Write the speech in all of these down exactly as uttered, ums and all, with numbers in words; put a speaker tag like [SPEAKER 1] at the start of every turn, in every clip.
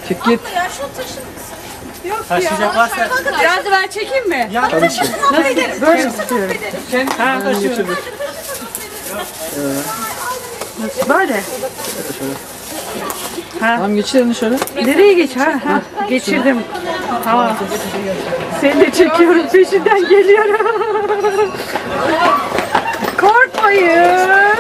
[SPEAKER 1] Çık git.
[SPEAKER 2] Ya şunu taşır mısın?
[SPEAKER 3] Yok taşıyacak varsa.
[SPEAKER 4] Biraz da ben çekeyim mi?
[SPEAKER 3] Ya
[SPEAKER 1] Tabii ki.
[SPEAKER 4] Nasıl? Böyle istiyorum.
[SPEAKER 3] sen ha taşıyor.
[SPEAKER 4] Böyle.
[SPEAKER 1] Tamam geçir elini şöyle.
[SPEAKER 4] Nereye geç? Ha, ha. Geçirdim. Tamam. Seni de çekiyorum. Peşinden geliyorum. Korkmayın.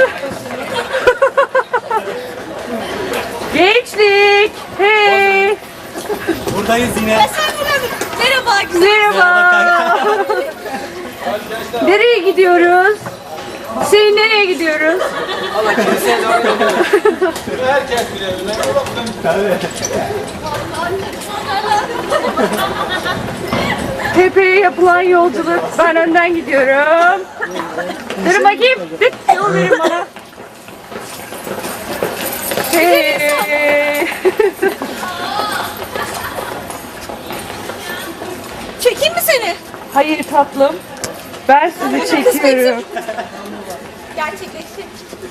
[SPEAKER 4] Gençlik. Hey.
[SPEAKER 3] Buradayız yine.
[SPEAKER 2] Merhaba güzel.
[SPEAKER 4] Merhaba. Nereye gidiyoruz? Hüseyin nereye gidiyoruz? Tepeye yapılan yolculuk. Ben önden gidiyorum. Dur bakayım. Dur. Yol verin bana. Hey.
[SPEAKER 2] Çekeyim mi seni?
[SPEAKER 4] Hayır tatlım. Ben sizi çekiyorum.
[SPEAKER 2] Gerçekleşti.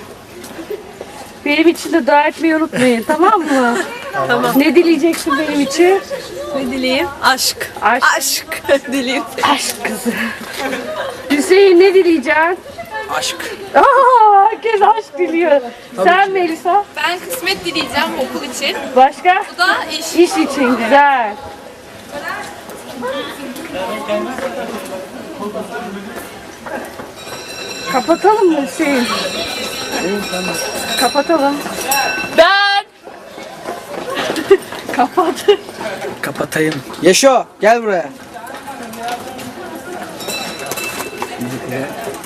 [SPEAKER 4] Benim için de dua etmeyi unutmayın, tamam mı? Tamam. Ne dileyeceksin benim için?
[SPEAKER 2] Ne dileyim? Aşk.
[SPEAKER 4] Aşk.
[SPEAKER 2] Aşk dileyim.
[SPEAKER 4] Aşk kızı. Hüseyin ne dileyeceksin?
[SPEAKER 1] Aşk.
[SPEAKER 4] Aa, herkes aşk diliyor. Sen Melisa?
[SPEAKER 2] Ben kısmet dileyeceğim okul için.
[SPEAKER 4] Başka?
[SPEAKER 2] Bu da iş.
[SPEAKER 4] İş için güzel. Kapatalım mı Hüseyin? Kapatalım.
[SPEAKER 2] Ben.
[SPEAKER 4] Kapat.
[SPEAKER 1] Kapatayım. Yaşo gel buraya.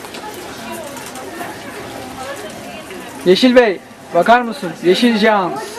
[SPEAKER 1] Yeşil Bey bakar mısın? Yeşil Cam.